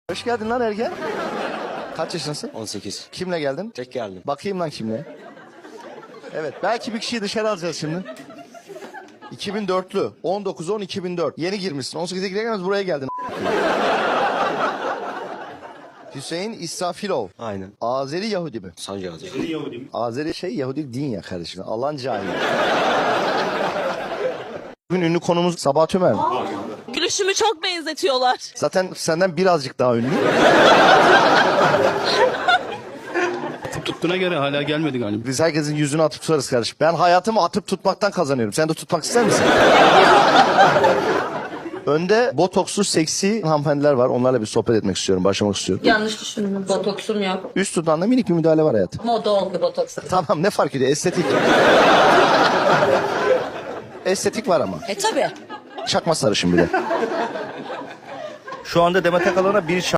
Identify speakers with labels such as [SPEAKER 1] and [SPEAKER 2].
[SPEAKER 1] Hoş geldin lan ergen. Kaç yaşındasın?
[SPEAKER 2] 18.
[SPEAKER 1] Kimle geldin?
[SPEAKER 2] Tek geldim.
[SPEAKER 1] Bakayım lan kimle. Evet, belki bir kişiyi dışarı alacağız şimdi. 2004'lü. 19-10-2004. Yeni girmişsin. 18'e giremez buraya geldin. Hüseyin İsrafilov.
[SPEAKER 2] Aynen.
[SPEAKER 1] Azeri Yahudi mi?
[SPEAKER 2] Sancak'ta.
[SPEAKER 1] Azeri Yahudi din ya kardeşim. Allah'ın cahili. Bugün ünlü konumuz Sabah Tümer mi?
[SPEAKER 3] Gülüşümü çok benzetiyorlar.
[SPEAKER 1] Zaten senden birazcık daha ünlü.
[SPEAKER 4] Tuttuğuna göre hala gelmedi galiba.
[SPEAKER 1] Biz herkesin yüzünü atıp tutarız kardeşim. Ben hayatımı atıp tutmaktan kazanıyorum. Sen de tutmak ister misin? Önde botokslu seksi hanımefendiler var. Onlarla bir sohbet etmek istiyorum. Başlamak istiyorum.
[SPEAKER 3] Yanlış düşündüm. Botoksum yok.
[SPEAKER 1] Üst dudağında minik bir müdahale var hayatım.
[SPEAKER 3] Moda oldu botoks.
[SPEAKER 1] Tamam, ne fark ediyor? Estetik. Estetik var ama.
[SPEAKER 3] Tabii.
[SPEAKER 1] Çakma sarışın bir de. Şu anda Demet Akalın'a bir